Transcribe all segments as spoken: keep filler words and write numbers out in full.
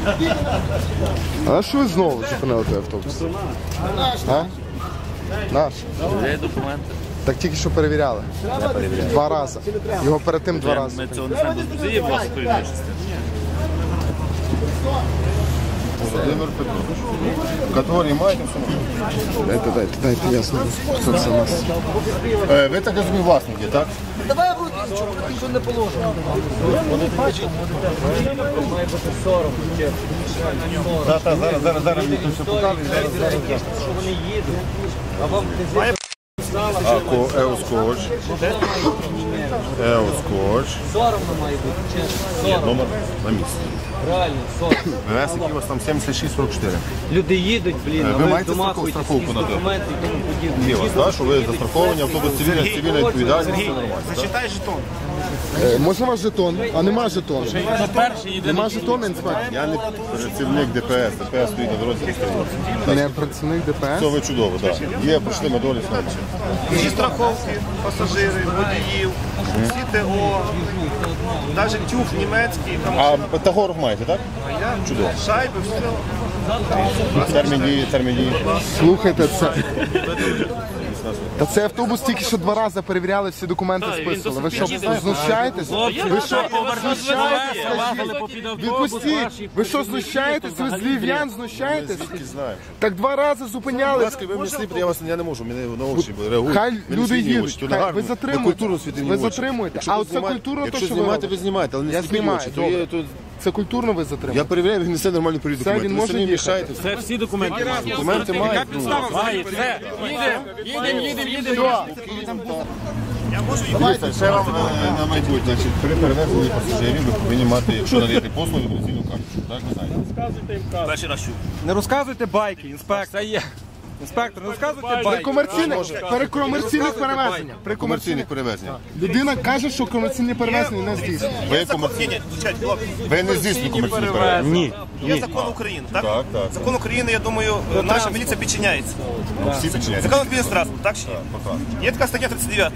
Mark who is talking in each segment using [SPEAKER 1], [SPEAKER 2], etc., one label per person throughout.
[SPEAKER 1] А що ви знову зупинили той автобус? А? Наш?
[SPEAKER 2] Є документи.
[SPEAKER 1] Так тільки що перевіряли.
[SPEAKER 2] Я перевіряю.
[SPEAKER 1] Два рази. Його перед тим два рази.
[SPEAKER 2] Ми цього не знаємо. Це є власне перевіряючи.
[SPEAKER 3] Володимир Петрович. Категорії маєте все?
[SPEAKER 1] Дайте, дайте, дайте, ясно. Хто це нас?
[SPEAKER 3] Е, ви так розумієте, власники, так?
[SPEAKER 4] Давай в руки, нічого, нічого не положено. Має бути сорок.
[SPEAKER 3] Так, так, зараз, зараз, зараз мені тут все показує.
[SPEAKER 4] Що вони їдуть. А вам не
[SPEAKER 3] А, еоскоч. Еоскоч.
[SPEAKER 4] соромно має бути, чесно.
[SPEAKER 3] Є номер на місці.
[SPEAKER 4] Реально, сорок.
[SPEAKER 3] ВС, який у вас там сімдесят шість сорок чотири.
[SPEAKER 4] Люди їдуть, блін,
[SPEAKER 3] Ви
[SPEAKER 4] а ви
[SPEAKER 3] маєте
[SPEAKER 4] домахуєтесь
[SPEAKER 3] страховку на те?
[SPEAKER 4] документи і тому подібне.
[SPEAKER 3] Є у вас, так, що ви застраховані, автобус цивільна, цивільна відповідальність.
[SPEAKER 5] Зачитай жетон.
[SPEAKER 1] Е, можна ваш жетон? А нема жетону. Нема жетону, інспектор?
[SPEAKER 3] Я не працівник ДПС, ДПС стоїть на дорозі.
[SPEAKER 1] Не працівник ДПС?
[SPEAKER 3] Це ви чудово, так. Є, пройшли на долі снайдер.
[SPEAKER 5] Всі страховки, пасажири, водіїв, всі ТО, навіть тюф німецький, там
[SPEAKER 3] А Тагоров маєте, так? Чудово.
[SPEAKER 5] шайби, все.
[SPEAKER 3] Термін дії, термін дії.
[SPEAKER 1] Слухайте, це... Та цей автобус тільки що два рази перевіряли, всі документи списували. Ви що, знущаєтесь? Ви що, знущаєтесь? Відпустіть! Ви що, знущаєтесь? Ви з львів'ян знущаєтесь? Так два рази зупиняли.
[SPEAKER 3] Будь ласка, ви мені сліп, я вас я не можу, мене на очі реагують.
[SPEAKER 1] Хай
[SPEAKER 3] Мене
[SPEAKER 1] люди
[SPEAKER 3] світні
[SPEAKER 1] їдуть,
[SPEAKER 3] очі, то
[SPEAKER 1] хай,
[SPEAKER 3] не
[SPEAKER 1] ви
[SPEAKER 3] гарно.
[SPEAKER 1] затримуєте.
[SPEAKER 3] Культурно світні
[SPEAKER 1] Ви
[SPEAKER 3] очі.
[SPEAKER 1] затримуєте.
[SPEAKER 3] Якщо
[SPEAKER 1] А
[SPEAKER 3] ви
[SPEAKER 1] оце
[SPEAKER 3] знімаєте-
[SPEAKER 1] культурно, то
[SPEAKER 3] якщо
[SPEAKER 1] що ви
[SPEAKER 3] знімаєте,
[SPEAKER 1] робите?
[SPEAKER 3] ви знімаєте, але не
[SPEAKER 1] Я
[SPEAKER 3] світні
[SPEAKER 1] знімаю,
[SPEAKER 3] очі. То
[SPEAKER 1] добре.
[SPEAKER 3] є, то...
[SPEAKER 1] Це культурно ви
[SPEAKER 3] Я
[SPEAKER 1] затримуєте?
[SPEAKER 3] перевіряю, він несе нормальний період
[SPEAKER 1] Це
[SPEAKER 3] документів.
[SPEAKER 1] він
[SPEAKER 3] Ви
[SPEAKER 1] може
[SPEAKER 3] самі
[SPEAKER 1] їхати?
[SPEAKER 3] мішаєте.
[SPEAKER 2] Це всі документи.
[SPEAKER 3] Документи мають. Дивіться, ще вам е, на майбутнє. Значить, при перевезенні пасажирів ви повинні мати, якщо надаєте послуги, мобілізаційну карточку. Так, ви знаєте?
[SPEAKER 2] Перший раз чув.
[SPEAKER 6] Не розказуйте байки, інспектор. Інспектор, не розказуйте
[SPEAKER 1] При
[SPEAKER 6] байки.
[SPEAKER 1] комерційних, при комерційних перевезеннях. При
[SPEAKER 3] Комерційних перевезень.
[SPEAKER 1] Людина каже, що комерційні перевезення не здійснює.
[SPEAKER 3] Ви,
[SPEAKER 5] Ні,
[SPEAKER 3] комерційні...
[SPEAKER 5] ні, звичайно, хлопці.
[SPEAKER 3] ви не здійснюєте комерційні перевезення? Ні.
[SPEAKER 5] Є закон України, так?
[SPEAKER 3] Так, так.
[SPEAKER 5] Закон України, я думаю, наша міліція підчиняється.
[SPEAKER 3] Всі підчиняються.
[SPEAKER 5] Закон України транспорт, так чи ні? Є така стаття тридцять дев'ята.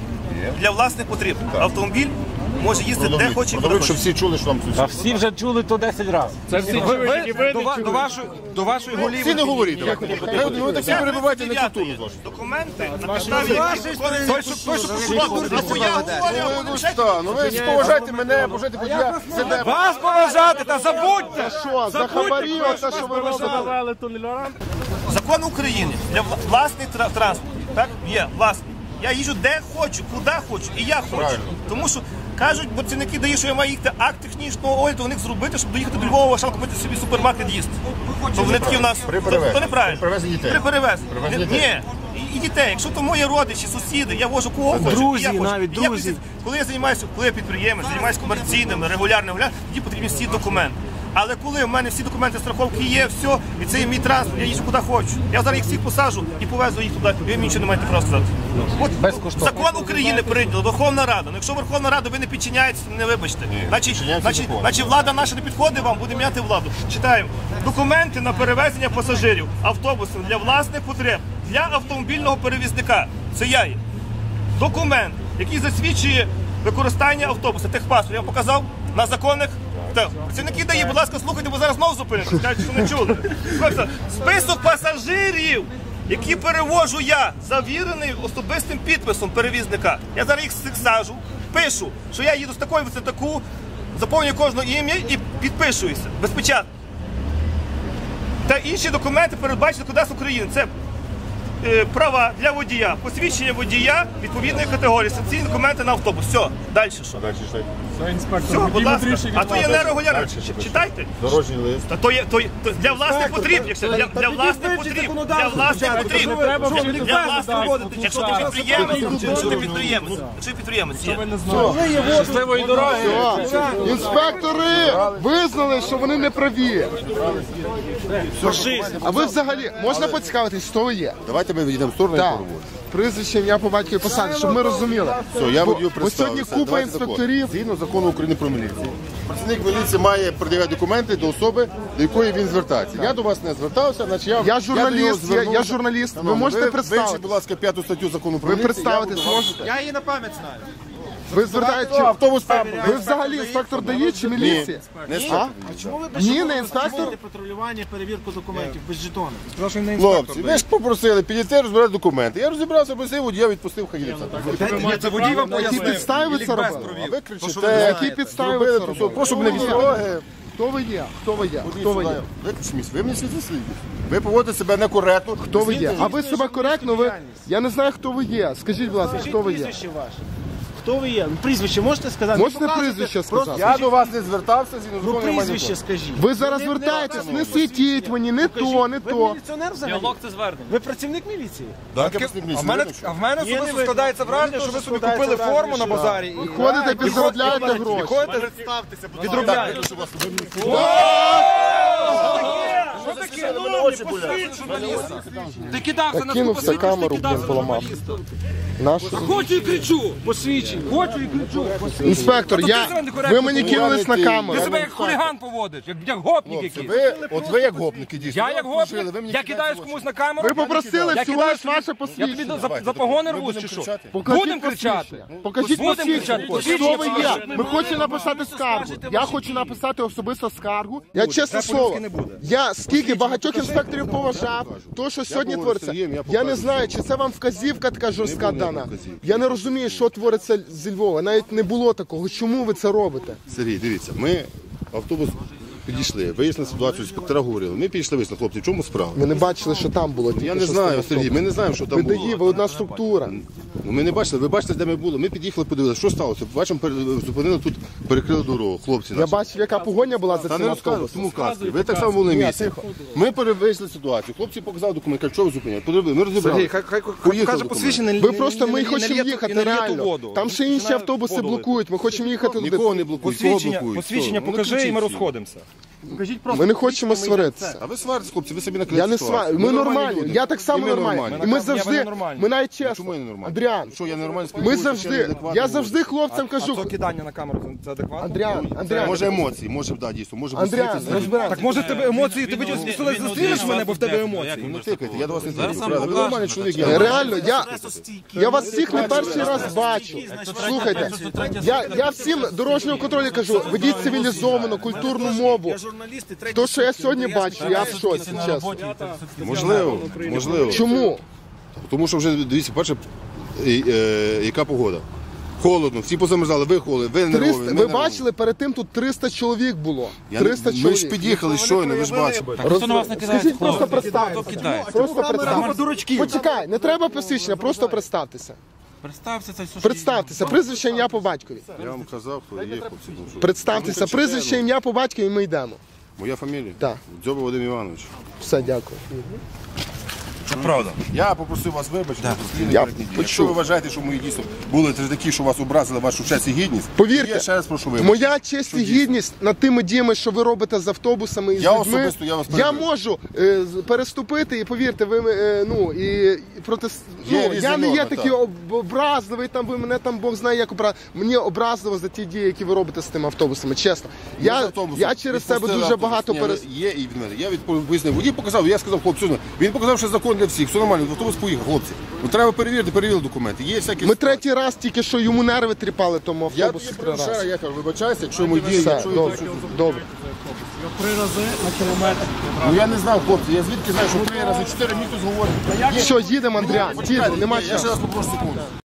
[SPEAKER 5] Для власних потреб. Автомобіль може їздити де хоче і куди
[SPEAKER 3] Продовжують, щоб
[SPEAKER 5] хоче.
[SPEAKER 3] всі чули, що вам тут.
[SPEAKER 2] Всі вже чули то десять разів.
[SPEAKER 6] Ви, ви до, ва- до, вашої, до вашої голів.
[SPEAKER 3] Всі не говоріть. давайте. Ви ви так всі перебуваєте на культуру.
[SPEAKER 5] Документи на підставі
[SPEAKER 6] Той, що той, що
[SPEAKER 5] Або я говорю,
[SPEAKER 3] Ну що, ну ви поважайте мене, поважайте водія. Сиде.
[SPEAKER 6] вас поважати, та забудьте!
[SPEAKER 1] Що, за хабарі, оце що ви робите?
[SPEAKER 5] закон України для вла- власний тра- транспорт. Так? Є власний. Я їжджу де хочу, куди хочу, і я хочу.
[SPEAKER 3] Правильно.
[SPEAKER 5] Тому що кажуть, працівники дають, що я маю їхати акт технічного огляду у них зробити, щоб доїхати до Львова, шалку купити собі супермаркет їсти. То вони такі в нас.
[SPEAKER 3] При
[SPEAKER 5] То,
[SPEAKER 3] перевезенні.
[SPEAKER 5] то неправильно.
[SPEAKER 3] При перевезенні дітей.
[SPEAKER 5] При перевезенні.
[SPEAKER 3] При перевезенні
[SPEAKER 5] Ні. І, і дітей. Якщо то мої родичі, сусіди, я вожу кого хочу.
[SPEAKER 6] Друзі,
[SPEAKER 5] і я хочу.
[SPEAKER 6] навіть
[SPEAKER 5] І я
[SPEAKER 6] друзі.
[SPEAKER 5] хочу- Коли я займаюся, коли я підприємець, займаюся комерційним, регулярним, регулярним, тоді потрібні всі документи. Але коли в мене всі документи страховки є, все, і це є мій транспорт, я їжджу куди хочу. Я зараз їх всіх посаджу і повезу їх туди, ви мені нічого не маєте права сказати. От закон України прийняла, Верховна Рада. Ну, якщо Верховна Рада ви не підчиняєтеся, не вибачте. Значить,
[SPEAKER 3] підчиняємося
[SPEAKER 5] значить,
[SPEAKER 3] закону.
[SPEAKER 5] значить, влада наша не підходить вам, буде міняти владу. Читаємо. Документи на перевезення пасажирів автобусом для власних потреб, для автомобільного перевізника. Це я є. Документ, який засвідчує використання автобуса, техпаспорт, я вам показав на законних. Так, працівники ДАІ, будь ласка, слухайте, бо зараз знову зупините, скажуть, що не чули. Слухайте, список пасажирів, які перевожу я, завірений особистим підписом перевізника. Я зараз їх всіх сажу, пишу, що я їду з такої в таку, заповнюю кожне ім'я і підпишуюся, безпечатно. Та інші документи передбачені Кодексом України. Це е, права для водія, посвідчення водія відповідної категорії, санкційні документи на автобус. Все, далі що?
[SPEAKER 3] Далі читайте.
[SPEAKER 5] Все, будь ласка. А то є нерегулярно. Читайте.
[SPEAKER 3] Дорожній лист.
[SPEAKER 5] Та то є, то є то для власних потріб, якщо для, для власних потріб, для власних потріб, для власних потріб. Якщо ти підприємець, якщо ти підприємець, якщо ти підприємець є.
[SPEAKER 6] Щасливої дороги!
[SPEAKER 1] Все. Інспектори визнали, що вони не праві. А ви взагалі, можна поцікавитись, хто ви є?
[SPEAKER 3] Давайте ми відійдемо в сторону і
[SPEAKER 1] Так.
[SPEAKER 3] поговоримо.
[SPEAKER 1] Прізвище, ім'я по батькові посаді, щоб ми розуміли.
[SPEAKER 3] Все, я
[SPEAKER 1] Бо-
[SPEAKER 3] водію
[SPEAKER 1] бо сьогодні
[SPEAKER 3] представився.
[SPEAKER 1] купа
[SPEAKER 3] Давайте закон.
[SPEAKER 1] інспекторів.
[SPEAKER 3] Згідно закону України про міліцію. Працівник міліції має пред'являти документи до особи, до якої він звертається. Я до вас не звертався, значить я...
[SPEAKER 1] Я журналіст,
[SPEAKER 3] до нього
[SPEAKER 1] я-
[SPEAKER 3] звернувся.
[SPEAKER 1] я журналіст. Ви
[SPEAKER 3] Шановний,
[SPEAKER 1] можете
[SPEAKER 3] ви
[SPEAKER 1] представитись?
[SPEAKER 3] вивчіть, будь ласка, п'яту статтю закону про
[SPEAKER 1] Ви
[SPEAKER 3] міліцію.
[SPEAKER 1] представитись
[SPEAKER 3] я буду-
[SPEAKER 1] можете?
[SPEAKER 6] Я її на пам'ять знаю.
[SPEAKER 1] Ви звертаєте,
[SPEAKER 3] Автобус там.
[SPEAKER 1] ви взагалі інспектор ДАІ чи міліція?
[SPEAKER 3] Не
[SPEAKER 1] А?
[SPEAKER 3] знаю.
[SPEAKER 4] Чому ви без
[SPEAKER 1] Ні,
[SPEAKER 4] жетону
[SPEAKER 1] не інспектор.
[SPEAKER 4] здійснюєте патрулювання, перевірку документів без жетону?
[SPEAKER 6] Прошу не
[SPEAKER 3] Хлопці, ви ж попросили підійти розбирати документи. Я розібрався, просив водія, відпустив, хай їде.
[SPEAKER 6] Це водій вам
[SPEAKER 1] На які підстави ви це робили?
[SPEAKER 3] А ви кричите,
[SPEAKER 1] На які підстави ви
[SPEAKER 3] зробили,
[SPEAKER 1] це
[SPEAKER 3] прошу,
[SPEAKER 1] робили?
[SPEAKER 3] прошу мене відстороги.
[SPEAKER 1] Хто ви є? Хто ви є? Хто ви є?
[SPEAKER 3] Ви мені світло слідні. Ви поводите себе некоректно.
[SPEAKER 1] Хто ви є? А ви себе коректно, ви... Я не знаю, хто ви є. Скажіть, будь ласка, хто ви є?
[SPEAKER 4] Прізвище ваше. Хто ви є? Ну, прізвище можете сказати?
[SPEAKER 1] Можете
[SPEAKER 4] Ну, показуйте.
[SPEAKER 1] прізвище
[SPEAKER 4] Просто
[SPEAKER 1] сказати?
[SPEAKER 3] Я до вас не звертався, зі
[SPEAKER 4] Ну, прізвище скажіть.
[SPEAKER 1] Ви зараз звертаєтесь, не світіть мені, не то, не
[SPEAKER 4] Ви
[SPEAKER 1] то.
[SPEAKER 4] міліціонер взагалі?
[SPEAKER 5] Діалог це звернення.
[SPEAKER 4] Ви працівник міліції?
[SPEAKER 6] А в мене, а в мене особисто складається враження, що ви собі купили форму на базарі і
[SPEAKER 1] Ходите, підзаробляєте гроші.
[SPEAKER 6] ходите, відробляєте. Ти кидався на
[SPEAKER 1] Кинувся камеру, блін, поламав. Нашу.
[SPEAKER 6] Хочу і кричу. Посвідчень. Хочу і кричу.
[SPEAKER 1] Інспектор, я... ви мені кинулись на
[SPEAKER 6] Ти
[SPEAKER 1] камеру.
[SPEAKER 6] себе як хуліган поводиш, як, як гопник якийсь.
[SPEAKER 3] Ви, от ви як гопники дійсно.
[SPEAKER 6] Я як
[SPEAKER 3] Служили, ви
[SPEAKER 6] гопник,
[SPEAKER 3] мені
[SPEAKER 6] я
[SPEAKER 3] кидаєте
[SPEAKER 6] кидаюсь
[SPEAKER 3] в очі.
[SPEAKER 6] комусь на камеру.
[SPEAKER 1] Ви попросили
[SPEAKER 6] Я
[SPEAKER 1] всього
[SPEAKER 6] кидаю
[SPEAKER 1] лиш ваше
[SPEAKER 6] Я тобі
[SPEAKER 1] посвідчення.
[SPEAKER 6] за, за погони
[SPEAKER 3] Ми
[SPEAKER 6] рвусь
[SPEAKER 3] будемо
[SPEAKER 6] чи що?
[SPEAKER 3] кричати.
[SPEAKER 1] Покажіть
[SPEAKER 6] Будемо кричати.
[SPEAKER 1] посвідчення. Покажіть
[SPEAKER 6] Будемо
[SPEAKER 1] посвідчення.
[SPEAKER 6] кричати.
[SPEAKER 1] Хто ви є?
[SPEAKER 6] Посвідчення.
[SPEAKER 1] Ми хочемо написати скаргу. Я хочу написати особисто скаргу. Я чесне
[SPEAKER 6] Це
[SPEAKER 1] слово,
[SPEAKER 6] по-людськи не буде.
[SPEAKER 1] я скільки багатьох інспекторів поважав, то, що сьогодні
[SPEAKER 3] був
[SPEAKER 1] твориться.
[SPEAKER 3] Сергієм, я
[SPEAKER 1] Я
[SPEAKER 3] покажу.
[SPEAKER 1] не знаю, чи це вам вказівка така жорстка
[SPEAKER 3] Не було
[SPEAKER 1] дана.
[SPEAKER 3] вказівки.
[SPEAKER 1] Я не розумію, що твориться зі Львова. Навіть не було такого. Чому ви це робите?
[SPEAKER 3] Сергій, дивіться, ми автобус підійшли, вияснили ситуацію, інспектора говорили. Ми підійшли, вияснили, хлопці, в чому справа?
[SPEAKER 1] Ми не бачили, що там було. тільки
[SPEAKER 3] Я не
[SPEAKER 1] що з
[SPEAKER 3] знаю,
[SPEAKER 1] тим
[SPEAKER 3] Сергій, ми не знаємо, що там
[SPEAKER 1] Ви
[SPEAKER 3] було.
[SPEAKER 1] ДАІ, ви одна структура.
[SPEAKER 3] Ну, ми не бачили, ви бачите, де ми були. Ми під'їхали, подивилися, що сталося. Бачимо, пере- зупинили тут, перекрили дорогу, хлопці
[SPEAKER 1] Я
[SPEAKER 3] наші.
[SPEAKER 1] бачив, яка погоня була за
[SPEAKER 3] Та
[SPEAKER 1] цим
[SPEAKER 3] не розказуй,
[SPEAKER 1] автобусом.
[SPEAKER 3] тому казки. Ви так само були на місці. Ми перевезли ситуацію. Хлопці показали документ, кажуть, що ви зупиняли. Подивили, ми розібрали.
[SPEAKER 6] Сергій, хай, хай, хай
[SPEAKER 3] Поїхали
[SPEAKER 6] покаже
[SPEAKER 3] документ.
[SPEAKER 6] посвідчення.
[SPEAKER 1] Ви просто, ми
[SPEAKER 6] не- не-
[SPEAKER 1] хочемо
[SPEAKER 6] не лє ту-
[SPEAKER 1] їхати
[SPEAKER 6] не лє ту
[SPEAKER 1] реально.
[SPEAKER 6] воду.
[SPEAKER 1] Там ще інші
[SPEAKER 6] Починає
[SPEAKER 1] автобуси
[SPEAKER 6] воду лити.
[SPEAKER 1] блокують. Ми хочемо їхати туди.
[SPEAKER 3] Нікого не блокують, кого
[SPEAKER 6] Посвідчення,
[SPEAKER 3] блокують?
[SPEAKER 6] посвідчення
[SPEAKER 3] Хто? Ну,
[SPEAKER 6] покажи і
[SPEAKER 3] кричіть
[SPEAKER 6] ми
[SPEAKER 3] всі.
[SPEAKER 6] розходимося.
[SPEAKER 1] Ми не хочемо сваритися.
[SPEAKER 3] А ви сваритесь, хлопці, ви собі накрили
[SPEAKER 1] Я не
[SPEAKER 3] ситуацію.
[SPEAKER 1] сварю. Ми нормальні.
[SPEAKER 3] люди.
[SPEAKER 1] Я так
[SPEAKER 3] І
[SPEAKER 1] само
[SPEAKER 3] ми
[SPEAKER 1] нормальний.
[SPEAKER 3] нормальні.
[SPEAKER 1] І ми
[SPEAKER 6] Я
[SPEAKER 1] завжди,
[SPEAKER 6] ненормальний.
[SPEAKER 1] ми навіть
[SPEAKER 3] Чому
[SPEAKER 1] чесно.
[SPEAKER 3] я не нормальний?
[SPEAKER 1] Андріан,
[SPEAKER 3] Що я нормально
[SPEAKER 1] ми
[SPEAKER 3] спілкуюся,
[SPEAKER 1] завжди,
[SPEAKER 3] неадекватно
[SPEAKER 1] я
[SPEAKER 3] говорю?
[SPEAKER 1] завжди хлопцям
[SPEAKER 6] А
[SPEAKER 1] кажу.
[SPEAKER 6] то кидання на камеру, це адекватно?
[SPEAKER 1] Андріан, Андріан,
[SPEAKER 3] Може емоції, може, да, дійсно, може
[SPEAKER 1] Андріан,
[SPEAKER 3] бути.
[SPEAKER 1] розбираємо.
[SPEAKER 6] Так може в тебе емоції, ти видів, зустрілиш мене, бо в тебе емоції.
[SPEAKER 3] Ну тикайте, я до вас не тикаю. правда. Ви нормальний чоловік. я-
[SPEAKER 1] Реально, я, я вас всіх не перший раз бачу. Слухайте, я, я всім дорожнього контролю кажу, ведіть цивілізовану, культурну мову.
[SPEAKER 4] Я журналіст і третій.
[SPEAKER 1] То, що я сьогодні бачу, я в шоці, чесно.
[SPEAKER 3] Можливо, можливо.
[SPEAKER 1] Чому?
[SPEAKER 3] Тому що вже, дивіться, перше, е, е, яка погода. Холодно, всі позамерзали, ви холодні, ви нервові.
[SPEAKER 1] триста,
[SPEAKER 3] ми
[SPEAKER 1] ви
[SPEAKER 3] нервові.
[SPEAKER 1] бачили, перед тим тут триста чоловік було.
[SPEAKER 3] Я не-
[SPEAKER 1] триста
[SPEAKER 3] Ми ж
[SPEAKER 1] чоловік.
[SPEAKER 3] під'їхали щойно, ви ж бачите.
[SPEAKER 1] Роз- Скажіть, просто представтеся. Просто представтеся. Почекай, не треба посвідчення, просто представтеся.
[SPEAKER 5] Представся, це все.
[SPEAKER 1] Представтеся, прізвище, ім'я по батькові.
[SPEAKER 3] Я вам казав, хто є хлопці. ну що.
[SPEAKER 1] Представтеся, прізвище, ім'я по батькові, і ми йдемо.
[SPEAKER 3] Моя фамілія?
[SPEAKER 1] Так.
[SPEAKER 3] Дзьоба Вадим Іванович.
[SPEAKER 1] Все, дякую.
[SPEAKER 3] Це правда. Я попросив вас вибачити.
[SPEAKER 1] Я
[SPEAKER 3] Я
[SPEAKER 1] почув.
[SPEAKER 3] Якщо ви вважаєте, що мої дійсно були такі, що вас образили вашу честь і гідність,
[SPEAKER 1] Повірте,
[SPEAKER 3] я ще раз прошу вибачити.
[SPEAKER 1] моя честь і гідність над тими діями, що ви робите з автобусами і з
[SPEAKER 3] Я
[SPEAKER 1] людьми,
[SPEAKER 3] особисто, я вас
[SPEAKER 1] я
[SPEAKER 3] перебив.
[SPEAKER 1] можу е, з- переступити, і повірте, ви е, ну і, і проти ну,
[SPEAKER 3] Є різні
[SPEAKER 1] я не є
[SPEAKER 3] норми,
[SPEAKER 1] такий
[SPEAKER 3] так.
[SPEAKER 1] об- образливий. Там ви мене там Бог знає, як обра... Мені образливо за ті дії, які ви робите з тими автобусами. Чесно,
[SPEAKER 3] Ми з
[SPEAKER 1] я,
[SPEAKER 3] автобусом
[SPEAKER 1] я через себе
[SPEAKER 3] відпустили
[SPEAKER 1] дуже
[SPEAKER 3] автобус.
[SPEAKER 1] багато
[SPEAKER 3] Ні,
[SPEAKER 1] перес...
[SPEAKER 3] Є і від мене. Я відповів, пояснив. Водій показав, я сказав, хлопці, все, він показав, що закон для всіх, все нормально, автобус поїхав, хлопці. Ну треба перевірити, перевірили документи. Є всякі...
[SPEAKER 1] Ми третій раз тільки що йому нерви тріпали тому
[SPEAKER 3] Я
[SPEAKER 1] автобусу
[SPEAKER 3] тобі
[SPEAKER 1] три
[SPEAKER 3] прошу,
[SPEAKER 1] рази.
[SPEAKER 3] я кажу, вибачайся, якщо мої дії,
[SPEAKER 1] Все,
[SPEAKER 3] якщо я...
[SPEAKER 1] добре, добре.
[SPEAKER 3] Ну я не знав, хлопці, я звідки знаю, що три рази, чотири місяці говорять.
[SPEAKER 1] Все, їдемо, Андріан, їдемо, нема
[SPEAKER 3] Я ще
[SPEAKER 1] часу.
[SPEAKER 3] раз попрошу секунду.